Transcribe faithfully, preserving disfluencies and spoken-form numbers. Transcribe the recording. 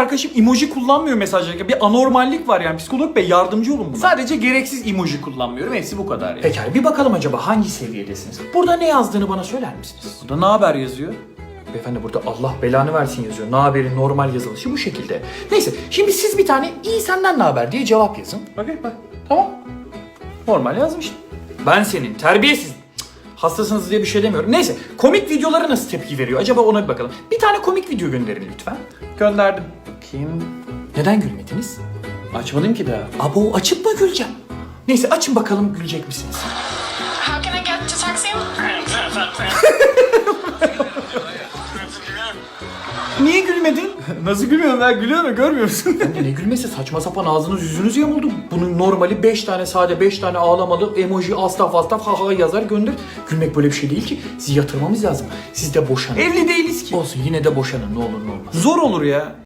arkadaşım emoji kullanmıyor mesajlarken. Bir anormallik var yani. Psikolog bey yardımcı olun buna. Sadece gereksiz emoji kullanmıyorum. Hepsi bu kadar yani. Pekala bir bakalım acaba hangi seviyedesiniz? Burada ne yazdığını bana söyler misiniz? Burada ne haber yazıyor? Beyefendi burada Allah belanı versin yazıyor. Ne haberin normal yazılışı bu şekilde. Neyse şimdi siz bir tane iyi senden ne haber diye cevap yazın. Bakayım bak. Tamam. Normal yazmış. Ben senin terbiyesiz. Cık, hastasınız diye bir şey demiyorum. Neyse komik videolara nasıl tepki veriyor? Acaba ona bir bakalım. Bir tane komik video gönderin lütfen. Gönderdim. Kim? Neden gülmediniz? Açmadım ki daha. Abo açıp mı güleceğim? Neyse açın bakalım gülecek misiniz? How can I get to taxi? Niye gülmedin? Nasıl gülmüyorum ben? Gülüyor mu? Görmüyor musun? Ben de ne gülmesi saçma sapan ağzınız yüzünüz yamuldu. Bunun normali beş tane sade beş tane ağlamalı emoji astaf astaf ha ha yazar gönder. Gülmek böyle bir şey değil ki. Sizi yatırmamız lazım. Siz de boşanın. Evli değiliz ki. Olsun yine de boşanın ne olur ne olmaz. Zor olur ya.